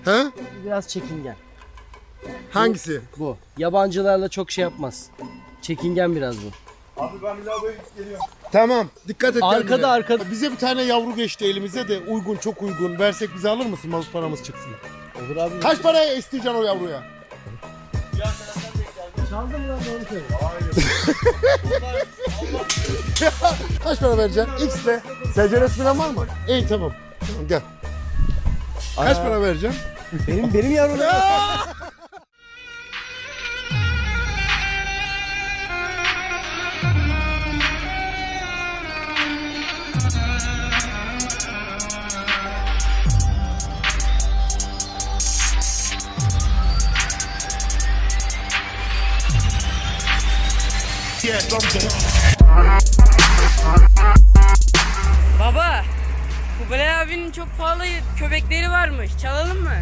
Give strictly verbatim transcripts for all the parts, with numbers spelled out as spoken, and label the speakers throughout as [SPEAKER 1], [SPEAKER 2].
[SPEAKER 1] He?
[SPEAKER 2] Biraz çekingen.
[SPEAKER 1] Hangisi?
[SPEAKER 2] Bu. Yabancılarla çok şey yapmaz. Çekingen biraz bu.
[SPEAKER 3] Abi ben lavaboya geliyorum.
[SPEAKER 1] Tamam. Dikkat et.
[SPEAKER 2] Arkada,
[SPEAKER 1] kendine.
[SPEAKER 2] arkada.
[SPEAKER 1] Bize bir tane yavru geçti elimize de uygun, çok uygun. Versek bize alır mısın? Mazot paramız çıksın.
[SPEAKER 2] Olur abi.
[SPEAKER 1] Kaç paraya isteyeceksin o yavruya?
[SPEAKER 2] Çaldın lan doğru söyle.
[SPEAKER 1] Kaç para vereceksin? X'le. Seceresi falan var mı? İyi tamam. Tamam gel. Kaç
[SPEAKER 2] Aa.
[SPEAKER 1] para vereceksin?
[SPEAKER 2] Benim benim yavrum.
[SPEAKER 4] Baba, Kubilay abinin çok pahalı köpekleri varmış. Çalalım mı?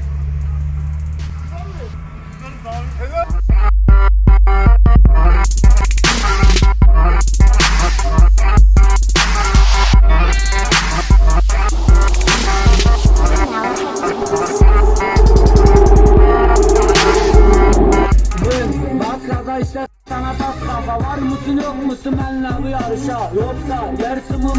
[SPEAKER 5] Baskada işte sana tas kafa. Var mısın yok musun benle bu yarışa? Yoksa yersin bu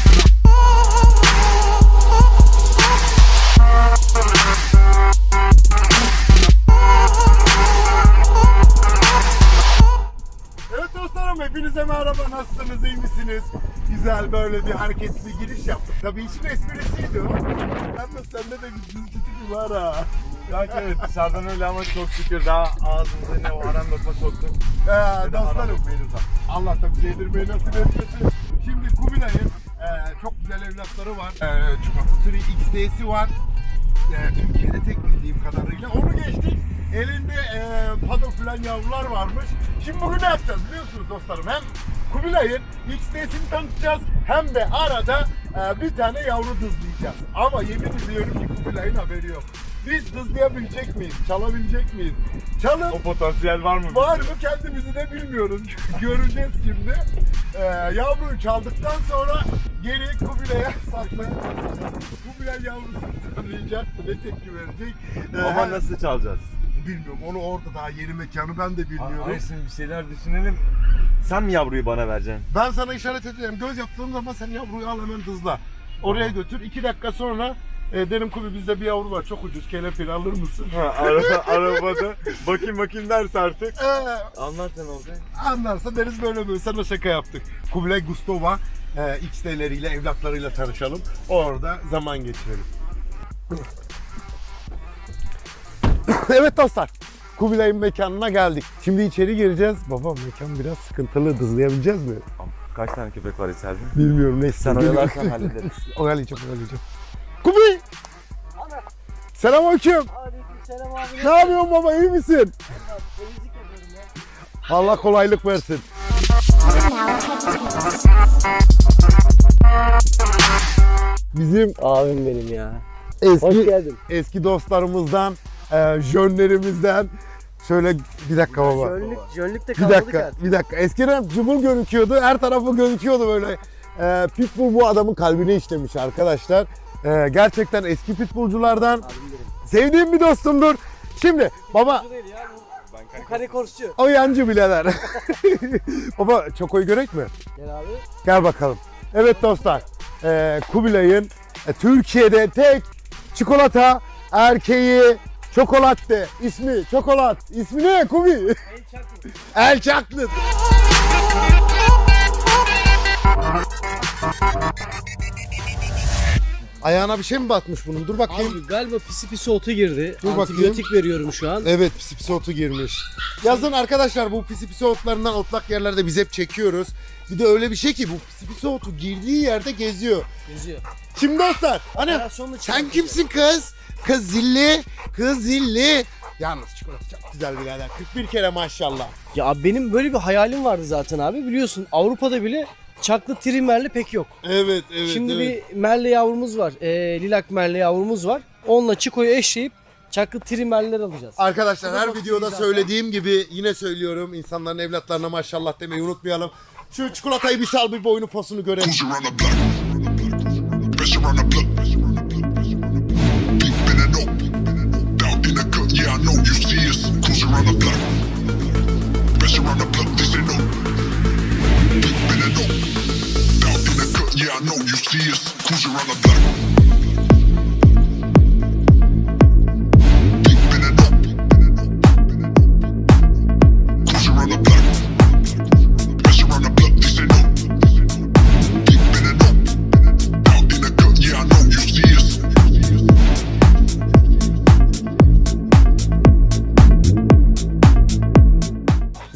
[SPEAKER 1] Evet dostlarım, hepinize merhaba, nasılsınız, iyi misiniz? Güzel böyle bir hareketli giriş yaptık. Tabii işin esprisiydi o. Ama sende de bir düz tipi var ha.
[SPEAKER 3] Yani evet dışarıdan öyle ama çok şükür daha ağzımıza ne o aran lokma soktuk.
[SPEAKER 1] Ee, dostlarım, Allah da bize yedirmeyi nasip etmesin. Şimdi Kubilay'ın e, çok güzel evlatları var. E, Çikolata Turi X D'si var. E, Türkiye'de tek bildiğim kadarıyla. Onu geçtik. Elinde e, paddle falan yavrular varmış. Şimdi bugün ne yapacağız biliyorsunuz dostlarım? Hem Kubilay'ın X D'sini tanıtacağız hem de arada e, bir tane yavru dızlayacağız. Ama yemin ediyorum ki Kubilay'ın haberi yok. Biz dızlayabilecek miyiz? Çalabilecek miyiz? Çalıp
[SPEAKER 3] O potansiyel var mı?
[SPEAKER 1] var mı kendimizi de bilmiyoruz. Göreceğiz şimdi. Ee, yavruyu çaldıktan sonra geri Kubilay'a saklayacağız. Kubilay yavrusunu tanıyacak, ne tepki verecek? Ee,
[SPEAKER 3] Ama nasıl çalacağız?
[SPEAKER 1] Bilmiyorum, onu orada daha yeni mekanı ben de bilmiyorum.
[SPEAKER 3] Hayır şimdi bir şeyler düşünelim. Sen mi yavruyu bana vereceksin?
[SPEAKER 1] Ben sana işaret edeceğim. Göz yaptığım zaman sen yavruyu al hemen dızla. Oraya götür. iki dakika sonra e, derim Kubi bizde bir yavru var çok ucuz, kelepir alır mısın?
[SPEAKER 3] Ha, araba, arabada bakayım bakayım derse artık.
[SPEAKER 1] Ee,
[SPEAKER 3] Anlat sen olacak.
[SPEAKER 1] Anlarsa deriz böyle böyle sana şaka yaptık. Kubilay Gustova e, X D'leriyle, evlatlarıyla tanışalım. Orada zaman geçirelim. Evet dostlar, Kubilay'ın mekanına geldik. Şimdi içeri gireceğiz. Baba mekan biraz sıkıntılı, dızlayabileceğiz mi?
[SPEAKER 3] Kaç tane köpek var içeride?
[SPEAKER 1] Bilmiyorum, neyse.
[SPEAKER 3] Sen oyalarsan hallederiz.
[SPEAKER 1] Oyalayacağım, oyalayacağım. Kubi! Selamünaleyküm.
[SPEAKER 2] Aleykümselam abi.
[SPEAKER 1] Ne yapıyorsun baba, iyi misin?
[SPEAKER 2] Temizlik yapıyorum ya.
[SPEAKER 1] Allah kolaylık versin. Bizim
[SPEAKER 2] Abim benim ya.
[SPEAKER 1] eski
[SPEAKER 2] Hoş geldin.
[SPEAKER 1] eski dostlarımızdan, e, jönlerimizden. Şöyle bir dakika baba.
[SPEAKER 2] Jönlük, jönlük de
[SPEAKER 1] Bir
[SPEAKER 2] kalmadı
[SPEAKER 1] dakika,
[SPEAKER 2] artık.
[SPEAKER 1] bir dakika. Eskiden cıbıl gözüküyordu, her tarafı gözüküyordu böyle. E, pitbull bu adamın kalbine işlemiş arkadaşlar. E, gerçekten eski pitbullculardan.
[SPEAKER 2] Abim benim.
[SPEAKER 1] Sevdiğim bir dostumdur. Şimdi baba,
[SPEAKER 2] Bu değil ya. Bu, bu kare korsçu.
[SPEAKER 1] o yancı birader. Baba Çoko'yu görek mi?
[SPEAKER 2] Gel abi.
[SPEAKER 1] Gel bakalım. Evet dostlar, e, Kubilay'ın e, Türkiye'de tek çikolata erkeği Çokolatte. İsmi Çokolat. İsmi ne Kubi?
[SPEAKER 2] El çaklı.
[SPEAKER 1] El Çaklı. Ayağına bir şey mi batmış bunun? Dur bakayım.
[SPEAKER 2] Abi galiba pisi pisi otu girdi.
[SPEAKER 1] Dur bakayım.
[SPEAKER 2] Antibiyotik veriyorum şu an.
[SPEAKER 1] Evet, pisi pisi otu girmiş. Yazın arkadaşlar, bu pisi pisi otlarından, otlak yerlerde biz hep çekiyoruz. Bir de öyle bir şey ki bu pisi pisi otu girdiği yerde geziyor.
[SPEAKER 2] Geziyor.
[SPEAKER 1] Şimdi dostlar, hani
[SPEAKER 2] Operasyonla
[SPEAKER 1] sen
[SPEAKER 2] çıkartacağız.
[SPEAKER 1] kimsin kız? Kız zilli, kız zilli. Yalnız çikolata çok güzel birader. kırk bir kere maşallah.
[SPEAKER 2] Ya abi benim böyle bir hayalim vardı zaten abi. Biliyorsun Avrupa'da bile çaklı trimerli pek yok.
[SPEAKER 1] Evet, evet,
[SPEAKER 2] Şimdi
[SPEAKER 1] evet.
[SPEAKER 2] bir merle yavrumuz var. E, lilak merle yavrumuz var. Onunla Çiko'yu eşleyip çaklı trimerler alacağız.
[SPEAKER 1] Arkadaşlar her
[SPEAKER 2] basit
[SPEAKER 1] videoda
[SPEAKER 2] zaten.
[SPEAKER 1] söylediğim gibi yine söylüyorum. İnsanların evlatlarına maşallah demeyi unutmayalım. Şu çikolatayı bir sal, bir boyunu posunu görelim.
[SPEAKER 6] Cruise around the block. Pressure around the block. Deep in and out.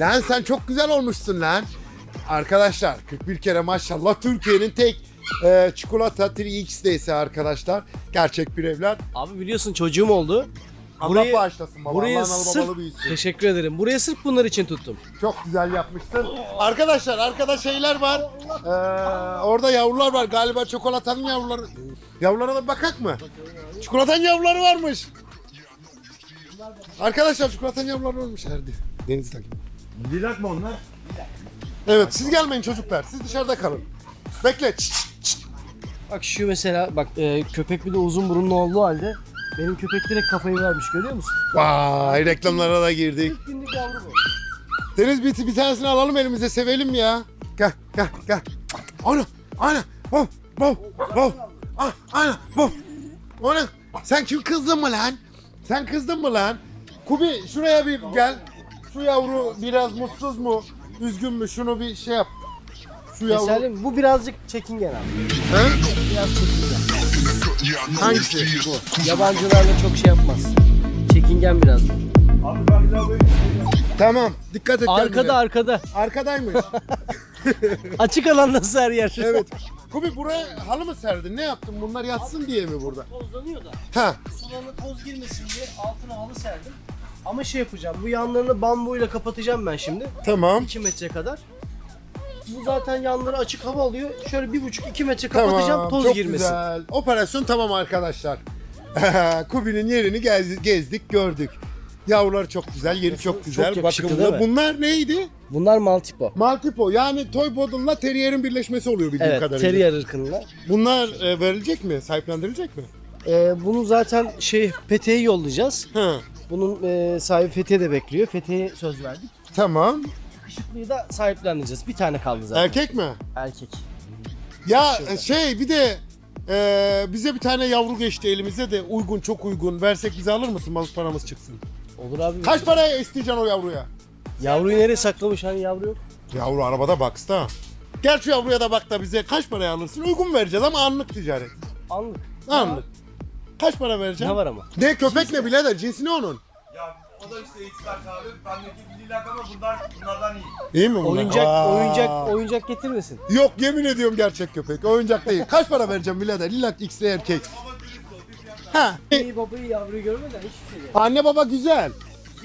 [SPEAKER 1] Lan sen çok güzel olmuşsun lan. Arkadaşlar kırk bir kere maşallah Türkiye'nin tek e, çikolata üç X D'si arkadaşlar. Gerçek bir evlat.
[SPEAKER 2] Abi biliyorsun çocuğum oldu.
[SPEAKER 1] Allah
[SPEAKER 2] Burayı-
[SPEAKER 1] bağışlasın baba.
[SPEAKER 2] Buraya
[SPEAKER 1] Allah'ın
[SPEAKER 2] sırf
[SPEAKER 1] babalı büyüsün.
[SPEAKER 2] teşekkür ederim. Buraya sırf bunlar için tuttum.
[SPEAKER 1] Çok güzel yapmışsın. Arkadaşlar arkada şeyler var. Ee, orada yavrular var. Galiba çikolatanın yavruları. Yavrulara da bakak mı? Çikolatanın yavruları varmış. Arkadaşlar çikolatanın yavruları varmış. Erdi. Deniz takip.
[SPEAKER 3] Lilak mı onlar?
[SPEAKER 1] Evet siz gelmeyin çocuklar. Siz dışarıda kalın. Bekle. Çıt, çıt, çıt.
[SPEAKER 2] Bak şu mesela bak e, köpek bir de uzun burunlu olduğu halde benim köpek direkt kafayı vermiş görüyor musun?
[SPEAKER 1] Vay reklamlara da girdik.
[SPEAKER 2] İlk günlük yavru bu.
[SPEAKER 1] Deniz bir, bir tanesini alalım elimize sevelim ya. Gel gel gel. Ana ana. Bom bom bom. Ah ana bom. Ana sen kim kızdın mı lan? Sen kızdın mı lan? Kubi şuraya bir gel. Şu yavru biraz mutsuz mu? Üzgün mü? Şunu bir şey yap. Şu yavru.
[SPEAKER 2] Mesela bu birazcık çekingen abi.
[SPEAKER 1] He?
[SPEAKER 2] Biraz çekingen.
[SPEAKER 1] Hangisi?
[SPEAKER 2] Bu. Yabancılarla çok şey yapmaz. Çekingen biraz.
[SPEAKER 3] Abi ben bir daha böyle
[SPEAKER 1] Tamam. Dikkat et.
[SPEAKER 2] Arkada
[SPEAKER 1] kendine.
[SPEAKER 2] arkada.
[SPEAKER 1] Arkadaymış.
[SPEAKER 2] Açık alan nasıl her yer?
[SPEAKER 1] Evet. Kubi buraya halı mı serdin? Ne yaptın? Bunlar yatsın diye mi burada?
[SPEAKER 2] Tozlanıyor da.
[SPEAKER 1] Ha.
[SPEAKER 2] Sularına toz girmesin diye altına halı serdim. Ama şey yapacağım. Bu yanlarını bambuyla kapatacağım ben şimdi.
[SPEAKER 1] Tamam.
[SPEAKER 2] iki metre kadar. Bu zaten yanları açık hava alıyor. Şöyle bir buçuk iki metre kapatacağım toz
[SPEAKER 1] çok
[SPEAKER 2] girmesin.
[SPEAKER 1] güzel. Operasyon tamam arkadaşlar. Kubi'nin yerini gez- gezdik, gördük. Yavrular çok güzel, yeri çok,
[SPEAKER 2] Çok
[SPEAKER 1] güzel.
[SPEAKER 2] yakışıklı
[SPEAKER 1] Bakımlı.
[SPEAKER 2] değil mi?
[SPEAKER 1] Bunlar neydi?
[SPEAKER 2] Bunlar Maltipo.
[SPEAKER 1] Maltipo. Yani Toy Poodle'la Terrier'in birleşmesi oluyor bildiğim
[SPEAKER 2] Evet,
[SPEAKER 1] kadarıyla.
[SPEAKER 2] terrier ırkında.
[SPEAKER 1] Bunlar e, verilecek mi? Sahiplendirilecek mi?
[SPEAKER 2] Ee, bunu zaten şey Fethiye'ye yollayacağız.
[SPEAKER 1] Ha.
[SPEAKER 2] Bunun e, sahibi Fethiye de bekliyor. Fethiye'ye söz verdik.
[SPEAKER 1] Tamam.
[SPEAKER 2] Işıklıyı da sahiplendireceğiz. Bir tane kaldı zaten.
[SPEAKER 1] Erkek mi?
[SPEAKER 2] Erkek.
[SPEAKER 1] Ya
[SPEAKER 2] Şurada.
[SPEAKER 1] şey bir de e, bize bir tane yavru geçti elimize de uygun çok uygun. Versek bize alır mısın? Malız paramız çıksın.
[SPEAKER 2] Olur abi.
[SPEAKER 1] Kaç paraya isteyeceksin o yavruya?
[SPEAKER 2] Yavruyu nereye saklamış? Hani yavru yok.
[SPEAKER 1] Yavru arabada box'ta. Gel şu yavruya da bak da bize kaç paraya alırsın? Uygun vereceğiz ama anlık ticaret.
[SPEAKER 2] Anlık.
[SPEAKER 1] Anlık. Kaç para vereceğim?
[SPEAKER 2] Ne var ama?
[SPEAKER 1] Ne köpek ne birader? Cinsi ne onun?
[SPEAKER 3] Ya o da işte X-Lack abi. Bendeki Lilak ama bunlar bunlardan iyi.
[SPEAKER 1] İyi mi bunlar?
[SPEAKER 2] Oyuncak,
[SPEAKER 1] Aa.
[SPEAKER 2] oyuncak, oyuncak getirmesin.
[SPEAKER 1] Yok yemin ediyorum gerçek köpek. Oyuncak değil. Kaç para vereceğim birader? Lilak X'li erkek. Ha.
[SPEAKER 2] İyi babayı yavruyu görmeden hiçbir şey yok.
[SPEAKER 1] Anne baba güzel.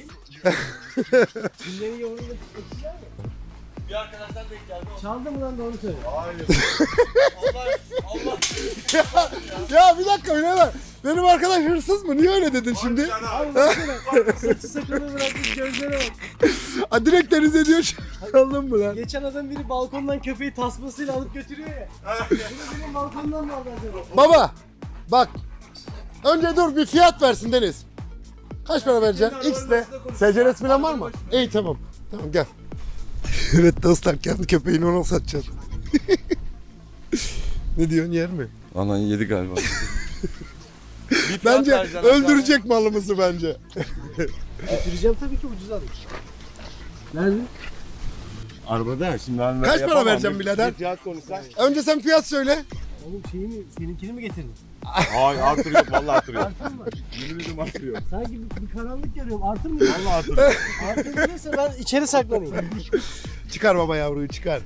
[SPEAKER 2] Günlerin yavrunu etkiler mi?
[SPEAKER 3] Bir arkadaşlar denk geldi.
[SPEAKER 2] Çaldı mı lan doğru söyle.
[SPEAKER 3] Hayır. Allah Allah.
[SPEAKER 1] Ya bir dakika birader. Benim arkadaş hırsız mı? Niye öyle dedin şimdi?
[SPEAKER 2] Abi baksana. Saçı sakalını bırakmış gözlere bak.
[SPEAKER 1] Ha, direkt denize diyor. Anladın mı lan?
[SPEAKER 2] Geçen adam biri balkondan köpeği tasmasıyla alıp götürüyor ya. Bunu benim balkondan mı aldı acaba?
[SPEAKER 1] Baba bak. Önce dur bir fiyat versin Deniz. Kaç para vereceksin? X'de. Seceresi falan var mı? İyi tamam. Tamam gel. Evet dostlar kendi köpeğini ona satacağız. Ne diyorsun yer mi?
[SPEAKER 3] Anan yedi galiba.
[SPEAKER 1] Bence öldürecek malımızı bence.
[SPEAKER 2] Götüreceğim tabii ki ucuz alayım. Nerede?
[SPEAKER 3] Arabada şimdi ben
[SPEAKER 1] Kaç para
[SPEAKER 3] yapamam.
[SPEAKER 1] vereceğim
[SPEAKER 3] Bir
[SPEAKER 1] birader?
[SPEAKER 3] Fiyat konuşsan.
[SPEAKER 1] Önce sen fiyat söyle.
[SPEAKER 2] Oğlum şeyi mi, seninkini mi getirdin?
[SPEAKER 3] Hayır artırıyor vallahi artırıyor.
[SPEAKER 2] Artır mı?
[SPEAKER 3] Yemin ediyorum artırıyor.
[SPEAKER 2] Sanki bir, bir karanlık görüyorum. Artır mı?
[SPEAKER 3] Vallahi artırıyor.
[SPEAKER 2] Artır değilse ben içeri saklanayım.
[SPEAKER 1] Çıkar baba yavruyu çıkar.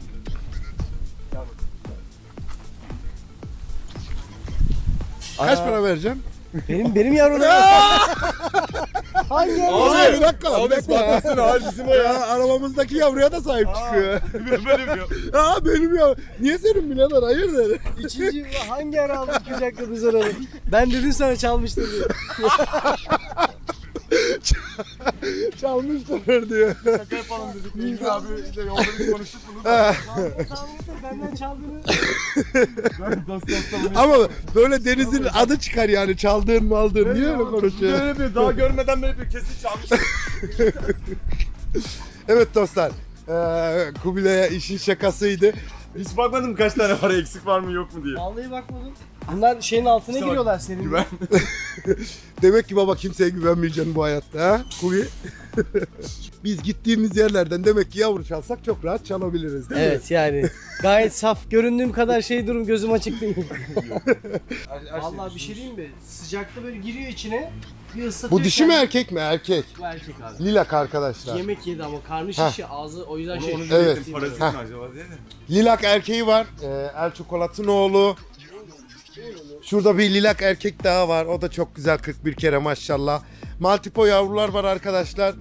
[SPEAKER 1] Kaç
[SPEAKER 2] Aa.
[SPEAKER 1] para vereceğim?
[SPEAKER 2] Benim benim yavrum. Hangi yavru?
[SPEAKER 1] Abi bir dakika lan bir
[SPEAKER 3] Abi
[SPEAKER 1] dakika.
[SPEAKER 3] patlasın abi bizim o ya.
[SPEAKER 1] Ya arabamızdaki yavruya da sahip çıkıyor.
[SPEAKER 3] Benim ya.
[SPEAKER 1] Aa benim ya. Niye senin birader hayırdır?
[SPEAKER 2] İkinci hangi ara aldık kucakla biz onu? Ben dedim sana çalmıştır diye.
[SPEAKER 1] Çalmışlar diyor.
[SPEAKER 3] Şaka yapalım dedik. Neydi abi işte yolda biz konuştuk bunu.
[SPEAKER 2] Benden çaldığını.
[SPEAKER 3] Ben dost dostla bunu.
[SPEAKER 1] Ama böyle Deniz'in adı çıkar yani çaldığın mı aldığın. Niye öyle konuşuyor?
[SPEAKER 3] Öyle bir daha görmeden böyle bir kesin çalmış.
[SPEAKER 1] Evet dostlar. Ee, Kubilay'a işin şakasıydı.
[SPEAKER 3] Hiç bakmadım kaç tane var eksik var mı yok mu diye.
[SPEAKER 2] Vallahi bakmadım. Bunlar şeyin altına giriyorlar senin.
[SPEAKER 3] Güven.
[SPEAKER 1] Demek ki baba kimseye güvenmeyeceksin bu hayatta ha Kubi? Biz gittiğimiz yerlerden demek ki yavru çalsak çok rahat çalabiliriz değil mi?
[SPEAKER 2] Evet yani gayet saf. Göründüğüm kadar şey durum gözüm açık değil. Vallahi bir şey diyeyim mi? Sıcakta böyle giriyor içine. Bir ıslatıyor.
[SPEAKER 1] Bu dişi mi
[SPEAKER 2] kendini.
[SPEAKER 1] erkek mi? Erkek.
[SPEAKER 2] Bu erkek abi.
[SPEAKER 1] Lilak arkadaşlar.
[SPEAKER 2] Yemek yedi ama karnı
[SPEAKER 1] Heh.
[SPEAKER 2] şişi ağzı o yüzden şey.
[SPEAKER 3] Onu
[SPEAKER 1] Evet.
[SPEAKER 3] evet. Parası
[SPEAKER 1] Heh.
[SPEAKER 3] mı acaba diye de.
[SPEAKER 1] Lilak erkeği var. Ee, El Çikolat'ın oğlu. Şurada bir lilak erkek daha var. O da çok güzel kırk bir kere maşallah. Maltipo yavrular var arkadaşlar.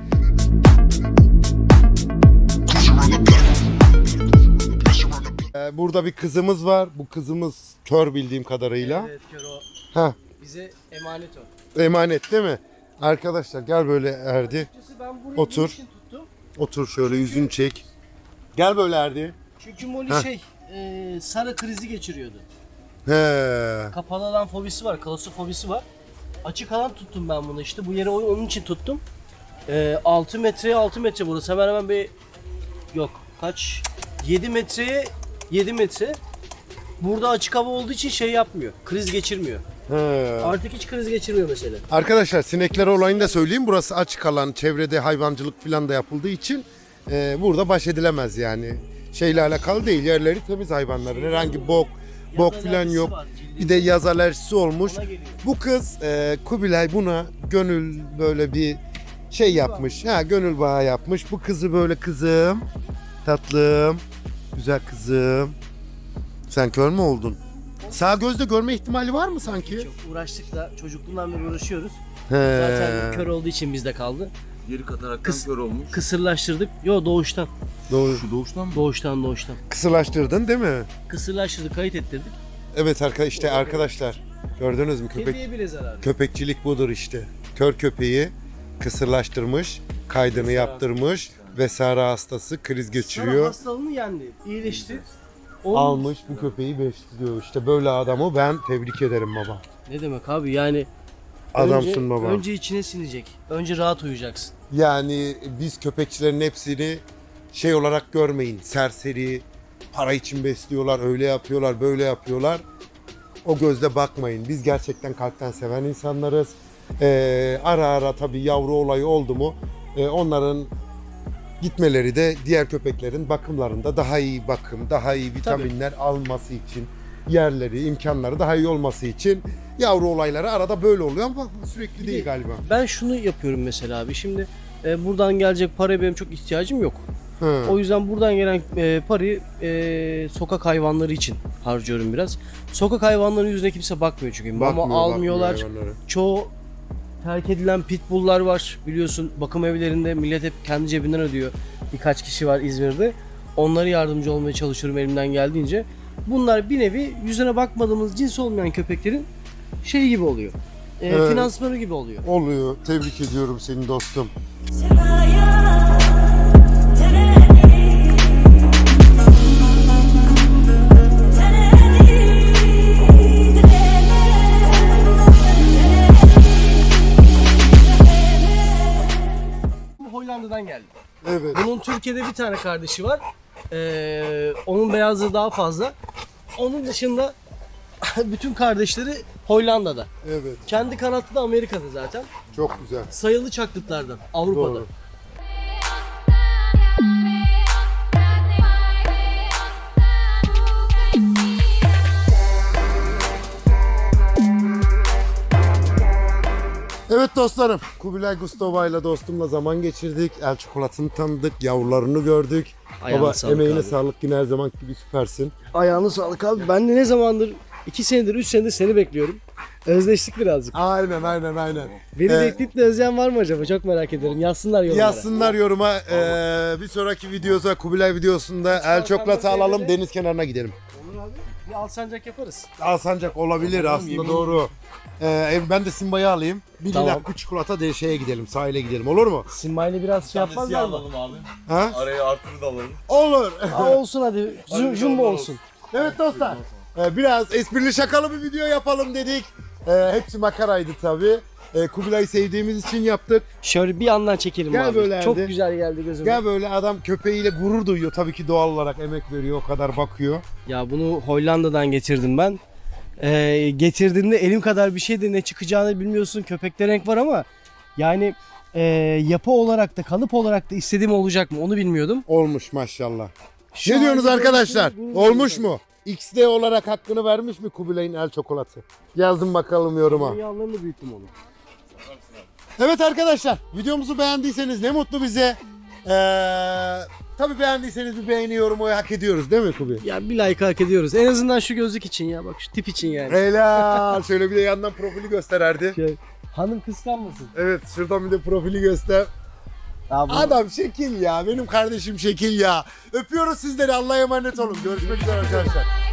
[SPEAKER 1] Ee, burada bir kızımız var. Bu kızımız kör bildiğim kadarıyla.
[SPEAKER 2] Evet kör o.
[SPEAKER 1] Ha,
[SPEAKER 2] Bize emanet o.
[SPEAKER 1] emanet değil mi? Arkadaşlar gel böyle Erdi.
[SPEAKER 2] Açıkçası ben burayı
[SPEAKER 1] Otur.
[SPEAKER 2] bunun için tuttum.
[SPEAKER 1] Otur şöyle yüzünü çek. Gel böyle Erdi.
[SPEAKER 2] Çünkü Molly
[SPEAKER 1] Heh.
[SPEAKER 2] şey e, sarı krizi geçiriyordu.
[SPEAKER 1] He.
[SPEAKER 2] Kapalı alan fobisi var, klaustrofobisi var. Açık alan tuttum ben bunu işte. Bu yere o- onun için tuttum. Ee, altı metreye altı metre burası. Hemen hemen bir yok kaç? yedi metreye yedi metre. Burada açık hava olduğu için şey yapmıyor. Kriz geçirmiyor.
[SPEAKER 1] He.
[SPEAKER 2] Artık hiç kriz geçirmiyor mesela.
[SPEAKER 1] Arkadaşlar sinekler olayını da söyleyeyim. Burası açık alan, çevrede hayvancılık falan da yapıldığı için e, burada baş edilemez yani. Şeyle alakalı değil. Yerleri temiz hayvanların. Herhangi bok, bok
[SPEAKER 2] Yaz
[SPEAKER 1] falan
[SPEAKER 2] alerjisi
[SPEAKER 1] yok.
[SPEAKER 2] var, cildi.
[SPEAKER 1] Bir de yaz alerjisi olmuş.
[SPEAKER 2] Ona geliyor.
[SPEAKER 1] Bu kız e, Kubilay buna gönül böyle bir şey yapmış. Ha gönül bağı yapmış. Bu kızı böyle kızım, tatlım, güzel kızım. Sen kör mü oldun? Sağ gözde görme ihtimali var mı sanki?
[SPEAKER 2] Çok uğraştık da çocukluğundan beri uğraşıyoruz.
[SPEAKER 1] He.
[SPEAKER 2] Zaten kör olduğu için bizde kaldı.
[SPEAKER 3] Geri kataraktan
[SPEAKER 2] Kız-
[SPEAKER 3] kör olmuş.
[SPEAKER 2] Kısırlaştırdık. Yo doğuştan.
[SPEAKER 1] Doğru.
[SPEAKER 3] Şu doğuştan mı?
[SPEAKER 2] Doğuştan doğuştan.
[SPEAKER 1] Kısırlaştırdın değil mi?
[SPEAKER 2] Kısırlaştırdık, kayıt ettirdik.
[SPEAKER 1] Evet arka işte arkadaşlar gördünüz mü köpek
[SPEAKER 2] Kediye bile zarar.
[SPEAKER 1] köpekçilik budur işte. Kör köpeği kısırlaştırmış, kaydını yaptırmış ve Sara hastası kriz
[SPEAKER 2] Sonra
[SPEAKER 1] geçiriyor.
[SPEAKER 2] hastalığını yendi. İyileşti. Onun-
[SPEAKER 1] Almış bu köpeği besliyor. İşte böyle adamı ben tebrik ederim baba.
[SPEAKER 2] Ne demek abi yani
[SPEAKER 1] Adamsın
[SPEAKER 2] önce,
[SPEAKER 1] baba.
[SPEAKER 2] önce içine sinecek. Önce rahat uyuyacaksın.
[SPEAKER 1] Yani biz köpekçilerin hepsini şey olarak görmeyin. Serseri, para için besliyorlar, öyle yapıyorlar, böyle yapıyorlar. O gözle bakmayın. Biz gerçekten kalpten seven insanlarız. Ee, ara ara tabii yavru olayı oldu mu e, onların gitmeleri de diğer köpeklerin bakımlarında daha iyi bakım, daha iyi vitaminler alması için, yerleri, imkanları daha iyi olması için yavru olayları arada böyle oluyor ama sürekli değil galiba.
[SPEAKER 2] Ben şunu yapıyorum mesela abi. Şimdi e, buradan gelecek paraya benim çok ihtiyacım yok.
[SPEAKER 1] Hı.
[SPEAKER 2] O yüzden buradan gelen e, parayı e, sokak hayvanları için harcıyorum biraz. Sokak hayvanlarının yüzüne kimse bakmıyor çünkü. Mama
[SPEAKER 1] Bakmıyor,
[SPEAKER 2] almıyorlar.
[SPEAKER 1] bakmıyor hayvanlara.
[SPEAKER 2] Çoğu terk edilen pitbulllar var. Biliyorsun bakım evlerinde millet hep kendi cebinden ödüyor. Birkaç kişi var İzmir'de. Onlara yardımcı olmaya çalışıyorum elimden geldiğince. Bunlar bir nevi yüzüne bakmadığımız cins olmayan köpeklerin şey gibi oluyor. E,
[SPEAKER 1] Evet.
[SPEAKER 2] Finansmanı gibi oluyor.
[SPEAKER 1] Oluyor. Tebrik ediyorum seni dostum.
[SPEAKER 2] Bu Hollanda'dan geldi.
[SPEAKER 1] Evet.
[SPEAKER 2] Bunun Türkiye'de bir tane kardeşi var. Ee, onun beyazlığı daha fazla. Onun dışında bütün kardeşleri Hollanda'da.
[SPEAKER 1] Evet.
[SPEAKER 2] Kendi kanatlı da Amerika'da zaten.
[SPEAKER 1] Çok güzel.
[SPEAKER 2] Sayılı çaklıklardan Avrupa'da.
[SPEAKER 1] Doğru. Evet dostlarım, Kubilay Gustova ile dostumla zaman geçirdik. El çikolatını tanıdık, yavrularını gördük.
[SPEAKER 2] Ayağına
[SPEAKER 1] Baba
[SPEAKER 2] sağlık
[SPEAKER 1] emeğine
[SPEAKER 2] abi.
[SPEAKER 1] sağlık, yine her zaman gibi süpersin.
[SPEAKER 2] Ayağını sağlık abi. Ben de ne zamandır iki senedir üç senedir seni bekliyorum. Özleştik birazcık.
[SPEAKER 1] Aynen aynen aynen.
[SPEAKER 2] Beni
[SPEAKER 1] Ee,
[SPEAKER 2] bekleyip de özleyen var mı acaba? Çok merak ediyorum. Yazsınlar yorumlara.
[SPEAKER 1] Yazsınlar yoruma. Ee, bir sonraki videoda, Kubilay videosunda el çikolatı alalım, deniz kenarına gidelim.
[SPEAKER 2] Olur abi. Bir alsancak yaparız.
[SPEAKER 1] Alsancak olabilir aslında,
[SPEAKER 3] yemin-
[SPEAKER 1] doğru. Ee, ben de Simba'yı alayım. Bir
[SPEAKER 2] Tamam.
[SPEAKER 1] lilak bir çikolata de şeye gidelim, sahile gidelim, olur mu?
[SPEAKER 2] Simbayla biraz şey yapmazlar mı?
[SPEAKER 3] alalım abi.
[SPEAKER 1] Ha?
[SPEAKER 3] Araya artırı da alalım.
[SPEAKER 1] Olur.
[SPEAKER 2] Aa, olsun hadi. Jum- Jumbo olsun.
[SPEAKER 1] Evet dostlar. Ee, biraz esprili şakalı bir video yapalım dedik. Ee, hepsi makaraydı tabii. Ee, Kubilay'ı sevdiğimiz için yaptık.
[SPEAKER 2] Şöyle bir yandan çekelim
[SPEAKER 1] Gel
[SPEAKER 2] abi.
[SPEAKER 1] böyle
[SPEAKER 2] Çok
[SPEAKER 1] Erdi.
[SPEAKER 2] güzel geldi gözüme.
[SPEAKER 1] Gel böyle, adam köpeğiyle gurur duyuyor. Tabii ki doğal olarak emek veriyor, o kadar bakıyor.
[SPEAKER 2] Ya bunu Hollanda'dan getirdim ben. Ee, getirdiğinde elim kadar bir şey de ne çıkacağını bilmiyorsun. Köpekte renk var ama yani e, yapı olarak da kalıp olarak da istediğim olacak mı onu bilmiyordum.
[SPEAKER 1] Olmuş maşallah.
[SPEAKER 2] Şu
[SPEAKER 1] Ne diyorsunuz
[SPEAKER 2] halde
[SPEAKER 1] arkadaşlar?
[SPEAKER 2] böyle-
[SPEAKER 1] Olmuş mu? X D olarak hakkını vermiş mi Kubilay'ın el çokolatı? Yazın bakalım yoruma.
[SPEAKER 2] Dünyalarını büyüttüm onu.
[SPEAKER 1] Evet arkadaşlar, videomuzu beğendiyseniz ne mutlu bize. Ee, tabii beğendiyseniz bir beğeni yorumu hak ediyoruz değil mi Kubi?
[SPEAKER 2] Ya bir like hak ediyoruz. En azından şu gözlük için ya bak şu tip için yani.
[SPEAKER 1] Helal. Şöyle bir de yandan profili göstererdi.
[SPEAKER 2] Şey, hanım kıskanmasın.
[SPEAKER 1] Evet, şuradan bir de profili göster.
[SPEAKER 2] Ya bu-
[SPEAKER 1] Adam şekil ya. Benim kardeşim şekil ya. Öpüyoruz sizleri. Allah'a emanet olun. Görüşmek üzere arkadaşlar.